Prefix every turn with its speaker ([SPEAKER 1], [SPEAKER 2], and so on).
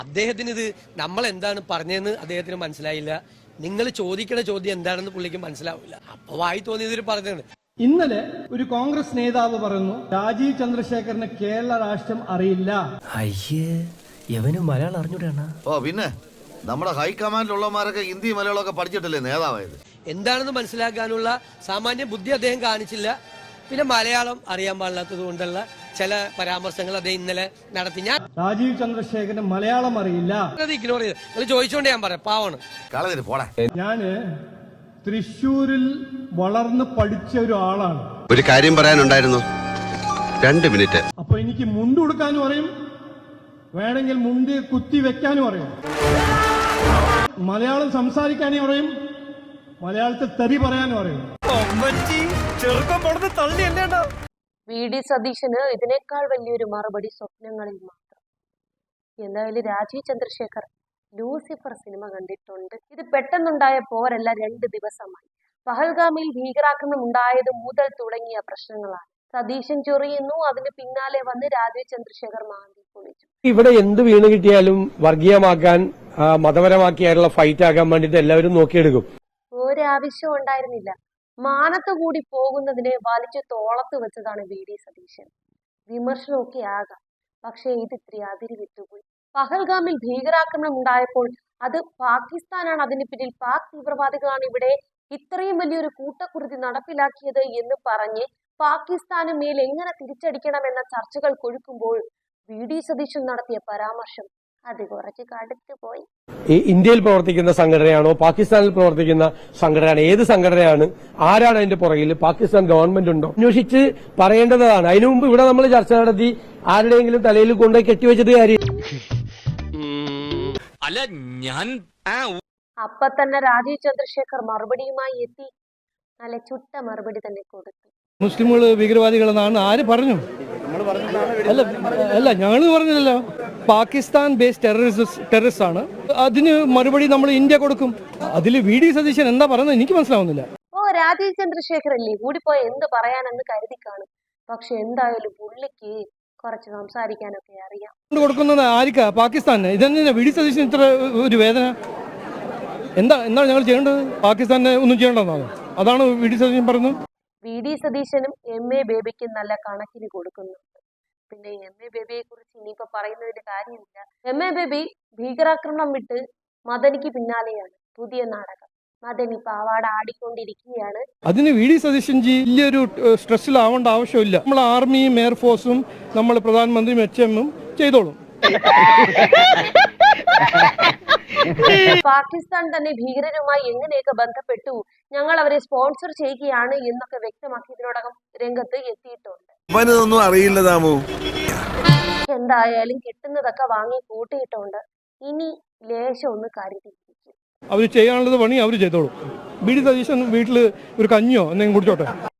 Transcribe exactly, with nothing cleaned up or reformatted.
[SPEAKER 1] അദ്ദേഹത്തിന് ഇത് നമ്മൾ എന്താണ് പറഞ്ഞതെന്ന് അദ്ദേഹത്തിന് മനസ്സിലായില്ല. നിങ്ങൾ ചോദിക്കുന്ന ചോദ്യം എന്താണെന്ന് പുള്ളിക്ക് മനസ്സിലാവില്ല. അപ്പൊ വായി തോന്നിയതൊരു പറഞ്ഞാണ്.
[SPEAKER 2] ഇന്നലെ ഒരു കോൺഗ്രസ് നേതാവ് പറഞ്ഞു രാജീവ് ചന്ദ്രശേഖരന് കേരള രാഷ്ട്രം അറിയില്ല.
[SPEAKER 3] അയ്യേ യവനും മലയാളം അറിഞ്ഞൂടാണ്.
[SPEAKER 4] ഓ പിന്നെ നമ്മുടെ ഹൈക്കമാൻഡിലുള്ളമാരൊക്കെ ഹിന്ദി മലയാളമൊക്കെ പഠിച്ചിട്ടല്ലേ നേതാവായത്.
[SPEAKER 1] എന്താണെന്ന് മനസ്സിലാക്കാനുള്ള സാമാന്യ ബുദ്ധി അദ്ദേഹം കാണിച്ചില്ല. പിന്നെ മലയാളം അറിയാൻ പാടില്ലാത്തത് കൊണ്ടുള്ള ചില പരാമർശങ്ങൾ അദ്ദേഹം ഇന്നലെ നടത്തി. ഞാൻ
[SPEAKER 2] രാജീവ് ചന്ദ്രശേഖരന് മലയാളം അറിയില്ല
[SPEAKER 1] അത് ഇഗ്നോർ ചെയ്ത് നിങ്ങൾ ചോദിച്ചോണ്ട് ഞാൻ പറയാം. പാവാണ്.
[SPEAKER 2] ഞാന് തൃശ്ശൂരിൽ വളർന്ന് പഠിച്ച ഒരു ആളാണ്.
[SPEAKER 5] ഒരു കാര്യം പറയാനുണ്ടായിരുന്നു, രണ്ട് മിനിറ്റ്.
[SPEAKER 2] അപ്പൊ എനിക്ക് മുണ്ട് കൊടുക്കാനും അറിയും, വേണമെങ്കിൽ മുണ്ട് കുത്തി വെക്കാനും അറിയും, മലയാളം സംസാരിക്കാനും അറിയും, മലയാളത്തിൽ തെറി പറയാനും അറിയും.
[SPEAKER 6] വി ഡി സതീശന് ഇതിനേക്കാൾ വലിയൊരു മറുപടി സ്വപ്നങ്ങളിൽ മാത്രം. എന്തായാലും രാജീവ് ചന്ദ്രശേഖർ ലൂസിഫർ സിനിമ കണ്ടിട്ടുണ്ട്. ഇത് പെട്ടെന്നുണ്ടായ പോരല്ല, രണ്ട് ദിവസമായി. പഹൽഗാമിൽ ഭീകരാക്രമണം ഉണ്ടായത് മുതൽ തുടങ്ങിയ പ്രശ്നങ്ങളാണ്. സതീശൻ ചൊറിയുന്നു, അതിന് പിന്നാലെ വന്ന് രാജീവ് ചന്ദ്രശേഖർ മാന്തി പൊളിച്ചു.
[SPEAKER 7] ഇവിടെ എന്ത് വീണ് കിട്ടിയാലും വർഗീയമാക്കാൻ, മതപരമാക്കിയാലുള്ള ഫൈറ്റ് ആക്കാൻ വേണ്ടിട്ട് എല്ലാവരും നോക്കിയെടുക്കും.
[SPEAKER 6] ഒരാവശ്യവും ഉണ്ടായിരുന്നില്ല. മാനത്ത് കൂടി പോകുന്നതിനെ വലിച്ചു തോളത്ത് വെച്ചതാണ് വി ഡി സതീശൻ. വിമർശനമൊക്കെ ആകാം, പക്ഷേ ഇത് ഇത്തിരി അതിരി വിട്ടുപോയി. പഹൽഗാമിൽ ഭീകരാക്രമണം ഉണ്ടായപ്പോൾ അത് പാകിസ്ഥാനാണ് അതിന് പിന്നിൽ, പാക് തീവ്രവാദികളാണ് ഇവിടെ ഇത്രയും വലിയൊരു കൂട്ടക്കുരുതി നടപ്പിലാക്കിയത് എന്ന് പറഞ്ഞ് പാകിസ്ഥാന് മേൽ എങ്ങനെ തിരിച്ചടിക്കണമെന്ന ചർച്ചകൾ കൊഴുക്കുമ്പോൾ വി ഡി സതീശൻ നടത്തിയ പരാമർശം അത് കുറച്ച് കടുത്തു പോയി.
[SPEAKER 7] ഇന്ത്യയിൽ പ്രവർത്തിക്കുന്ന സംഘടനയാണോ പാകിസ്ഥാനിൽ പ്രവർത്തിക്കുന്ന സംഘടനയാണ്, ഏത് സംഘടനയാണ്, ആരാണ് അതിന്റെ പുറകിൽ, പാകിസ്ഥാൻ ഗവൺമെന്റ് ഉണ്ടോ അന്വേഷിച്ച് പറയേണ്ടതാണ്. അതിനു മുമ്പ് ഇവിടെ നമ്മൾ ചർച്ച നടത്തി ആരുടെയെങ്കിലും തലയിൽ കൊണ്ടുപോയി കെട്ടിവെച്ചിട്ട് കാര്യം
[SPEAKER 3] അല്ല. ഞാൻ
[SPEAKER 6] അപ്പൊ തന്നെ രാജീവ് ചന്ദ്രശേഖർ മറുപടിയുമായി എത്തി. നല്ല ചുട്ട മറുപടി തന്നെ കൊടുത്തു.
[SPEAKER 2] മുസ്ലിമുകൾ ഭീകരവാദികളെന്നാണ് ആര് പറഞ്ഞു? അല്ല അല്ല ഞങ്ങൾ പറഞ്ഞില്ലല്ലോ. പാകിസ്ഥാൻ ബേസ്ഡ് ടെററിസ്റ്റ് ടെററിസ്റ്റ് ആണ്. അതിന് മറുപടി നമ്മൾ ഇന്ത്യ കൊടുക്കും. അതിൽ വി ഡി സതീശൻ എന്താ പറയുന്നത് എനിക്ക് മനസ്സിലാവുന്നില്ല.
[SPEAKER 6] ഓ രാജീവ് ചന്ദ്രശേഖർ അല്ലേ കൂടിപ്പോയ എന്ത് പറയാനെന്ന് കരുതി കാണും. പക്ഷെ എന്തായാലും പുള്ളിക്ക് കുറച്ച് സംസാരിക്കാനൊക്കെ അറിയാം.
[SPEAKER 2] കൊടുക്കുന്നത് ആർക്കാ? പാകിസ്ഥാന്. ഇതെന്തിനാ വി ഡി സതീശൻ ഇത്ര ഒരു വേദന? എന്താ എന്താണ് ഞങ്ങൾ ചെയ്യേണ്ടത്? പാകിസ്ഥാനെ ഒന്നും ചെയ്യേണ്ടതെന്നാണ്, അതാണ് വി ഡി സതീശൻ പറയുന്നത്.
[SPEAKER 6] വി ഡി സതീശനും എം എ ബേബിക്കും നല്ല കണക്കിന് കൊടുക്കുന്നുണ്ട്. പിന്നെ എം എ ബേബിയെ കുറിച്ച് ഇനിയിപ്പോ പറയുന്നതിന്റെ കാര്യമില്ല. എം എ ബേബി ഭീകരാക്രമണം വിട്ട് മദനിക്ക് പിന്നാലെയാണ്. പുതിയ നാടകം മദനി പാവാട ആടിക്കൊണ്ടിരിക്കുകയാണ്.
[SPEAKER 2] അതിന് വി ഡി സതീശൻ ജി വലിയൊരു സ്ട്രെസ്സിലാവേണ്ട ആവശ്യമില്ല. നമ്മൾ ആർമിയും എയർഫോഴ്സും നമ്മൾ പ്രധാനമന്ത്രിയും എച്ച് എമ്മും ചെയ്തോളും.
[SPEAKER 6] പാകിസ്ഥാൻ തന്നെ ഭീകരരുമായി എങ്ങനെയൊക്കെ ബന്ധപ്പെട്ടു, ഞങ്ങൾ അവരെ സ്പോൺസർ ചെയ്യുകയാണ് എന്നൊക്കെ വ്യക്തമാക്കി ഇതിനോടകം രംഗത്ത് എത്തിയിട്ടുണ്ട്. എന്തായാലും കിട്ടുന്നതൊക്കെ വാങ്ങി കൂട്ടിയിട്ടുണ്ട്. ഇനി ലേശം ഒന്ന് കരുതിയിരിക്കും.
[SPEAKER 2] അവർ ചെയ്യാനുള്ളത് പണി അവർ ചെയ്തോളും. ബി ഡി സതീശൻ വീട്ടിൽ ഒരു കഞ്ഞിയോ എന്തെങ്കിലും കുടിച്ചോട്ടെ.